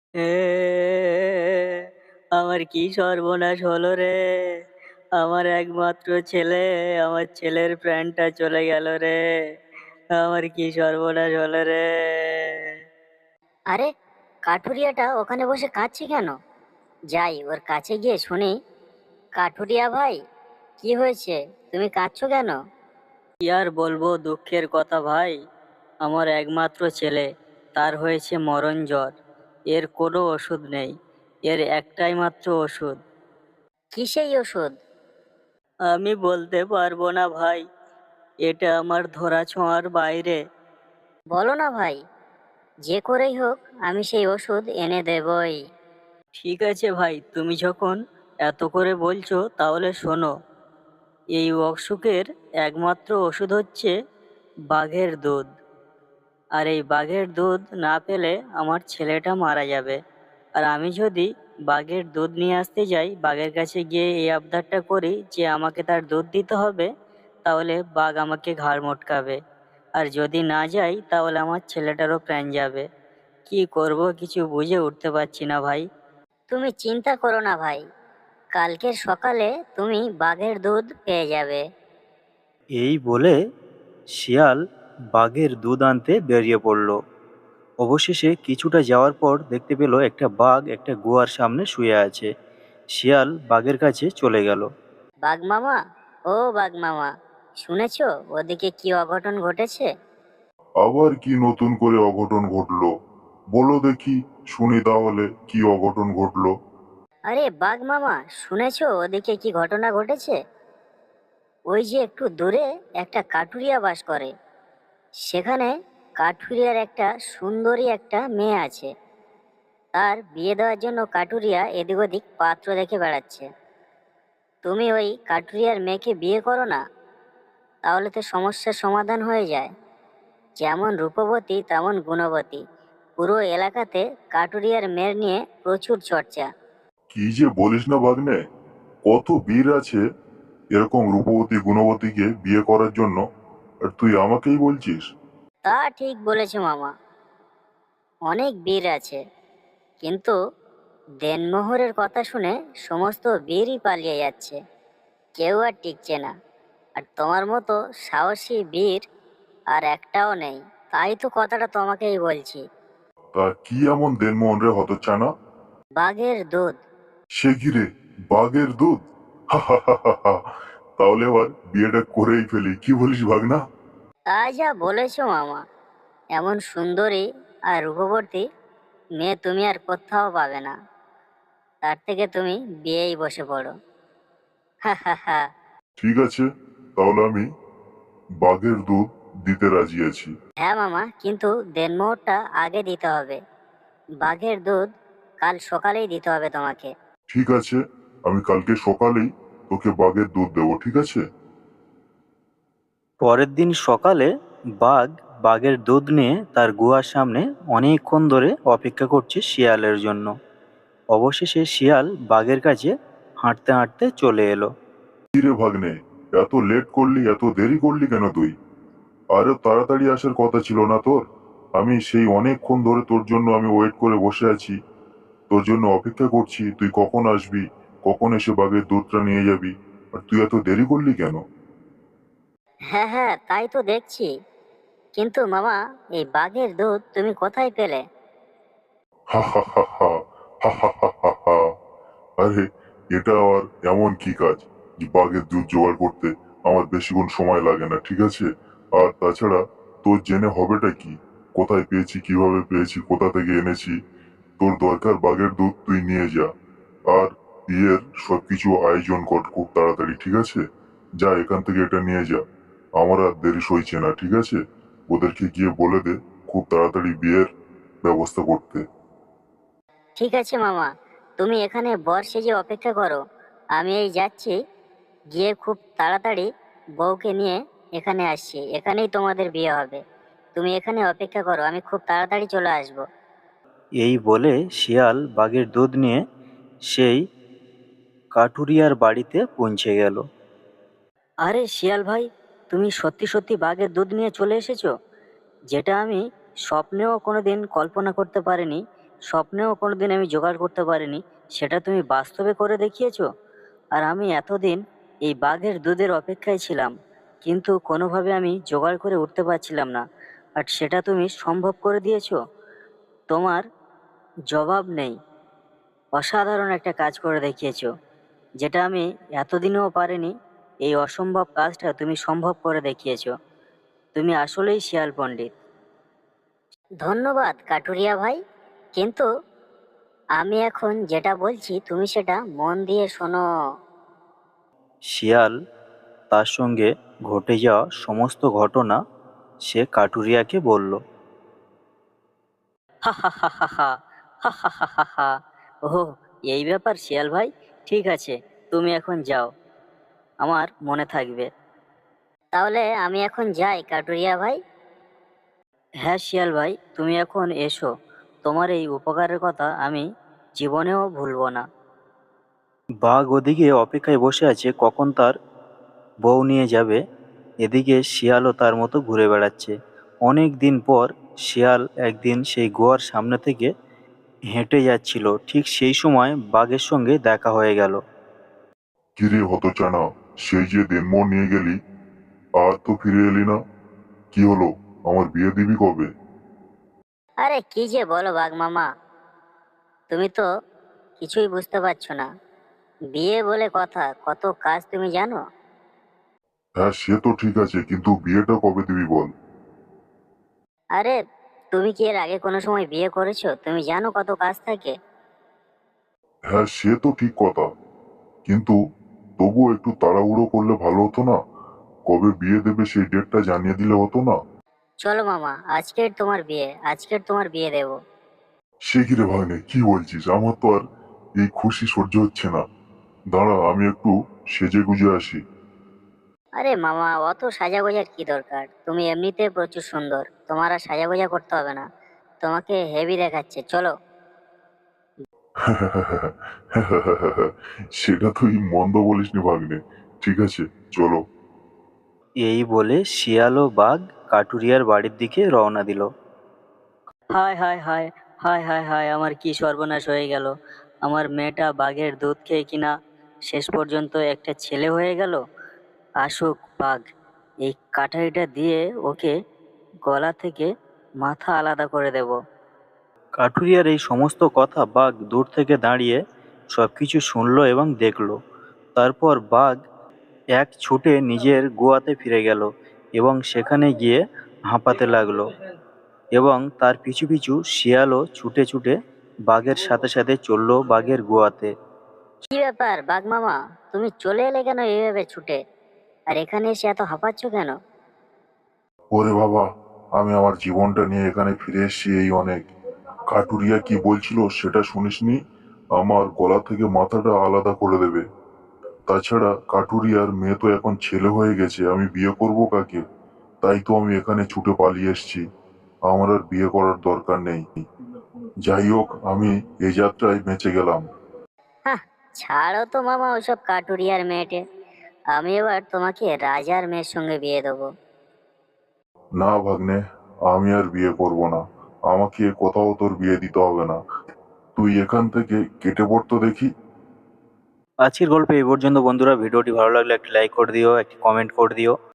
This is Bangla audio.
এ আমার কি সর্বনাশ হলো রে! আমার একমাত্র ছেলে, আমার ছেলের প্রাণটা চলে গেল রে! আমার কি সর্বনাশ হলো রে! আরে, কাঠুরিয়াটা ওখানে বসে কাঁদছে কেন? যাই ওর কাছে গিয়ে শুনি। কাঠুরিয়া ভাই, কি হয়েছে? তুমি কাঁদছো কেন? কি আর বলবো দুঃখের কথা ভাই। আমার একমাত্র ছেলে, তার হয়েছে মরণ জ্বর। এর কোনো ওষুধ নেই। এর একটাই মাত্র ওষুধ। কি সেই ওষুধ? আমি বলতে পারবো না ভাই। এটা আমার ধরাছোঁয়ার বাইরে। বলো না ভাই, যে করেই হোক আমি সেই ওষুধ এনে দেবই। ঠিক আছে ভাই, তুমি যখন এত করে বলছো তাহলে শোনো। এই অসুখের একমাত্র ওষুধ হচ্ছে বাঘের দুধ। আর এই বাঘের দুধ না পেলে আমার ছেলেটা মারা যাবে। আর আমি যদি বাঘের দুধ নিয়ে আসতে যাই, বাঘের কাছে গিয়ে এই আবদারটা করি যে আমাকে তার দুধ দিতে হবে, তাহলে বাঘ আমাকে ঘাড় মটকাবে। আর যদি না যাই তাহলে আমার ছেলেটারও প্রাণ যাবে। কি করব কিছু বুঝে উঠতে পারছি না ভাই। তুমি চিন্তা করো না ভাই, কালকের সকালে তুমি বাঘের দুধ পেয়ে যাবে। এই বলে শিয়াল বাঘের দুধ আনতে বেরিয়ে পড়ল। অবশেষে কিছুটা যাওয়ার পর দেখতে পেল একটা বাঘ একটা গুহার সামনে শুয়ে আছে। শিয়াল বাঘের কাছে চলে গেল। বাঘ মামা, ও বাঘ মামা, শুনেছো ওদিকে কি অঘটন ঘটেছে? আবার কি নতুন করে অঘটন ঘটলো? বলো দেখি, শুনি তাহলে কি অঘটন ঘটলো। আরে বাঘ মামা, শুনেছো ওদিকে কি ঘটনা ঘটেছে? ওই যে একটু দূরে একটা কাঠুরিয়া বাস করে। সেখানে কাঠুরিয়ার একটা সুন্দরী একটা মেয়ে আছে। তার বিয়ে দেওয়ার জন্য কাঠুরিয়া এদিক ওদিক পাত্র দেখে বেড়াচ্ছে। তুমি ওই কাঠুরিয়ার মেয়েকে বিয়ে করো না, তাহলে তো সমস্যার সমাধান হয়ে যায়। যেমন রূপবতী তেমন গুণবতী, পুরো এলাকাতে কাঠুরিয়ার মেয়ের নিয়ে প্রচুর চর্চা। কি যে বলিস না ভাগ্নে, কত বীর আছে এরকম রূপবতী গুণবতীকে বিয়ে করার জন্য, আর তুই আমাকেই বলছিস? তা ঠিক বলেছো মামা, অনেক বীর আছে, কিন্তু দেনমোহরের কথা শুনে সমস্ত বীরই পালিয়ে যাচ্ছে, কেউ আর টিকছে না। আর তোমার মতো সাহসী বীর আর একটাও নেই, তাই তো কথাটা তোমাকেই বলছি। তা কি এমন দেনমোহন রে হতচ্ছানা? বাঘের দুধ। সে কি রে, বাঘের দুধ? হা হা হা হা হা। তাহলে এবার বিয়েটা করেই ফেলি, কি বলিস ভাগনা? তা যা বলেছো মামা, এমন সুন্দরী আর রূপবতী মেয়ে তুমি আর কোথাও পাবে না। তার থেকে তুমি বিয়েই বসে পড়ো। হা হা হা। ঠিক আছে, তাহলে আমি বাঘের দুধ দিতে রাজি আছি। হ্যাঁ মামা, কিন্তু দেনমোহরটা আগে দিতে হবে। বাঘের দুধ কাল সকালেই দিতে হবে তোমাকে। ঠিক আছে, আমি কালকে সকালেই তোকে বাঘের দুধ দেবো, ঠিক আছে? পরের দিন সকালে বাঘ বাঘের দুধ নিয়ে তার গুহার সামনে অনেকক্ষণ ধরে অপেক্ষা করছে শিয়ালের জন্য। অবশেষে শিয়াল বাঘের কাছে হাঁটতে হাঁটতে চলে এলো। কি রে ভাগ্নে, এত লেট করলি, এত দেরি করলি কেন তুই? আরে তাড়াতাড়ি আসার কথা ছিল না তোর? আমি সেই অনেকক্ষণ ধরে তোর জন্য আমি ওয়েট করে বসে আছি, তোর জন্য অপেক্ষা করছি, তুই কখন আসবি, কখন এসে বাঘের দুধটা নিয়ে যাবি, আর তুই এত দেরি করলি কেন? হ্যাঁ হ্যাঁ, তাই তো দেখছি। কিন্তু মামা, এই বাঘের দুধ তুমি কোথায় পেলে? হা হা হা হা, হা হা হা হা হা। আরে, এটা আবার এমন কি কাজ যে বাঘের দুধ জোগাড় করতে আমার বেশিক্ষণ সময় লাগে না, ঠিক আছে? আর তাছাড়া তোর জেনে হবেটা কি? কোথায় পেয়েছি, কিভাবে পেয়েছি, কোথা থেকে এনেছি? তোর দরকার বাঘের দুধ, তুই নিয়ে যা। আর বিয়ের সবকিছু আয়োজন কর খুব তাড়াতাড়ি, ঠিক আছে? যা, এখান থেকে এটা নিয়ে যা। আমার আর দেরি সইছে না, ঠিক আছে? ওদেরকে গিয়ে বলে দে খুব তাড়াতাড়ি বিয়ের ব্যবস্থা করতে। ঠিক আছে মামা, তুমি এখানে বর সেজে অপেক্ষা করো। আমি এই যাচ্ছি, গিয়ে খুব তাড়াতাড়ি বউকে নিয়ে এখানে আসছি, এখানেই তোমাদের বিয়ে হবে। তুমি এখানে অপেক্ষা করো, আমি খুব তাড়াতাড়ি চলে আসবো। এই বলে শিয়াল বাঘের দুধ নিয়ে সেই কাঠুরিয়ার বাড়িতে পৌঁছে গেল। আরে শিয়াল ভাই, তুমি সত্যি সত্যি বাঘের দুধ নিয়ে চলে এসেছো, যেটা আমি স্বপ্নেও কোনোদিন কল্পনা করতে পারিনি স্বপ্নেও কোনোদিন আমি জোগাড় করতে পারিনি, সেটা তুমি বাস্তবে করে দেখিয়েছো। আর আমি এতদিন এই বাঘের দুধের অপেক্ষায় ছিলাম, কিন্তু কোনোভাবে আমি জোগাড় করে উঠতে পারছিলাম না, আর সেটা তুমি সম্ভব করে দিয়েছো। তোমার জবাব নেই। অসাধারণ একটা কাজ করে দেখিয়েছো, যেটা আমি এতদিনেও পারিনি। এই অসম্ভব কাজটা তুমি সম্ভব করে দেখিয়েছো। তুমি আসলেই শিয়াল পণ্ডিত। ধন্যবাদ কাটুরিয়া ভাই, কিন্তু আমি এখন যেটা বলছি তুমি সেটা মন দিয়ে শোনো। শিয়াল তার সঙ্গে ঘটে যাওয়া সমস্ত ঘটনা সে কাঠুরিয়াকে বলল। হা হা হা হা হা হা হা হা হা হা। ওহো, এই ব্যাপার শিয়াল ভাই। ঠিক আছে, তুমি এখন যাও, আমার মনে থাকবে। তাহলে আমি এখন যাই কাটুরিয়া ভাই। হ্যাঁ শিয়াল ভাই, তুমি এখন এসো। তোমার এই উপকারের কথা আমি জীবনেও ভুলবো না। বাঘ ওদিকে অপেক্ষায় বসে আছে কখন তার বউ নিয়ে যাবে। এদিকে শিয়ালও তার মতো ঘুরে বেড়াচ্ছে। অনেক দিন পর শিয়াল একদিন সেই গুহার সামনে থেকে হেঁটে যাচ্ছিল, ঠিক সেই সময় বাঘের সঙ্গে দেখা হয়ে গেল। কিরে হতচানা, সেই যে দেনমোহর নিয়ে গেলি, আর তো ফিরে এলি না। কি হলো, আমার বিয়ে দিবি কবে? আরে কি যে বলো বাঘ মামা, তুমি তো কিছুই বুঝতে পারছো না। বিয়ে বলে কথা, কত কাজ তুমি জানো? হ্যাঁ সে তো ঠিক আছে, কিন্তু বিয়েটা কবে দিবি বল। আরে তুমি কি এর আগে কোনো সময় বিয়ে করেছো? তুমি জানো কত কাজ থাকে। হ্যাঁ সে তো ঠিক কথা, কিন্তু তবুও একটু তাড়াহুড়ো করলে ভালো হতো না? কবে বিয়ে দেবে সেই ডেটটা জানিয়ে দিলে হতো না? চলো মামা, আজকের তোমার বিয়ে, আজকের তোমার বিয়ে দেবো। সে কি রে ভাগ্নে, কি বলছিস? আমার তো আর এই খুশি সহ্য হচ্ছে না। দাঁড়া, আমি একটু সেজে গুজে আসি। আরে মামা, অত সাজাগোজার কি দরকার? তুমি এমনিতে প্রচুর সুন্দর, তোমার আর সাজাগোজা করতে হবে না। তোমাকে হেভি দেখাচ্ছে, চলো। সেটা তুই মন্দ বলিসনি ভাগ্নে। ঠিক আছে, চলো। এই বলে শিয়াল ও বাঘ কাঠুরিয়ার বাড়ির দিকে রওনা দিল। হায় হায় হায় হায় হায় হায়, আমার কি সর্বনাশ হয়ে গেল। আমার মেয়েটা বাঘের দুধ খেয়ে কিনা শেষ পর্যন্ত একটা ছেলে হয়ে গেল। আসুক বাঘ, এই কাঠারিটা দিয়ে ওকে গলা থেকে মাথা আলাদা করে দেব। কাঠুরিয়ার এই সমস্ত কথা বাঘ দূর থেকে দাঁড়িয়ে সবকিছু শুনলো এবং দেখলো। তারপর বাঘ এক ছুটে নিজের গুহাতে ফিরে গেল এবং সেখানে গিয়ে হাঁপাতে লাগলো, এবং তার পিছু পিছু শিয়ালও ছুটে ছুটে বাঘের সাথে সাথে চলল বাঘের গুহাতে। কি ব্যাপার বাঘ মামা, তুমি চলে এলে কেন এইভাবে ছুটে? আর এখানে এসে এত হাঁপাচ্ছ কেন? ওরে বাবা, আমি আমার জীবনটা নিয়ে এখানে ফিরে এসেছি এই অনেক। কাটুরিয়া কি বলছিল সেটা শুনিসনি? আমার গলা থেকে মাথাটা আলাদা করে দেবে। তাছাড়া কাটুরিয়ার মেয়ে তো এখন ছেলে হয়ে গেছে, আমি বিয়ে করব কাকে? তাই তো আমি এখানে ছুটে পালিয়ে এসেছি। আমার আর বিয়ে করার দরকার নেই। যাই হোক, আমি এই যাত্রায় বেঁচে গেলাম। হ্যাঁ, ছাড়ো তো মামা ওসব কাটুরিয়ার মেয়েটে। আমি এবার তোমাকে রাজার মেয়ের সঙ্গে বিয়ে দেবো। না ভাগ্নে, আমি আর বিয়ে করব না। আমাকে কোথাও তোর বিয়ে দিতে হবে না। তুই এখান থেকে কেটে পড়তো দেখি। আজকের গল্প এই পর্যন্ত বন্ধুরা। ভিডিওটি ভালো লাগলে একটি লাইক করে দিও, একটি কমেন্ট করে দিও।